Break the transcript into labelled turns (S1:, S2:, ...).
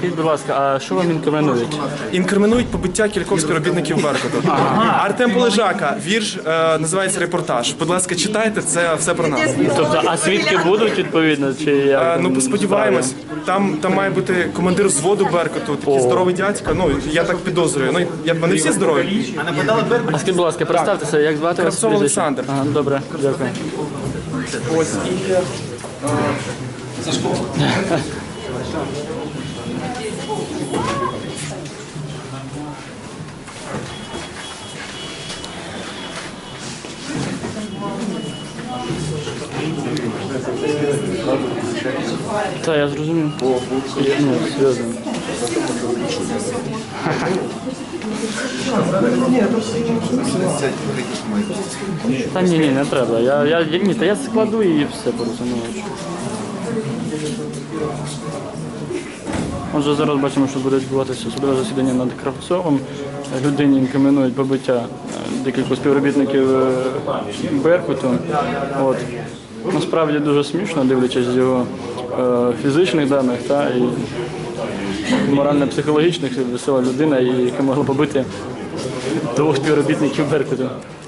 S1: скажіть, будь ласка, а що вам інкримінують?
S2: Інкримінують побиття кількох співробітників Беркуту. Артем Полежака, вірш називається «Репортаж». Будь ласка, читайте, це все про нас.
S1: Тобто, а свідки будуть відповідно? Чи як?
S2: Ну, сподіваємось. Там має бути командир взводу Беркуту, такий здоровий дядька. Ну, я так підозрюю. Ну, вони всі здорові.
S1: А скажіть, будь ласка, представтеся, як звати вас?
S2: Кравцов Олександр.
S1: Ага, добре, дякую.
S2: Ось і...
S1: Так, я зрозумів. Ну, серйозно. Та ні, не треба. Я складу і все порозумію. Отже, зараз бачимо, що буде відбуватися судове засідання над Кравцовим. Людині інкримінують побиття декількох співробітників Беркуту. От. Насправді дуже смішно, дивлячись з його фізичних даних і морально-психологічних, весела людина, яка могла побити двох співробітників Беркуту.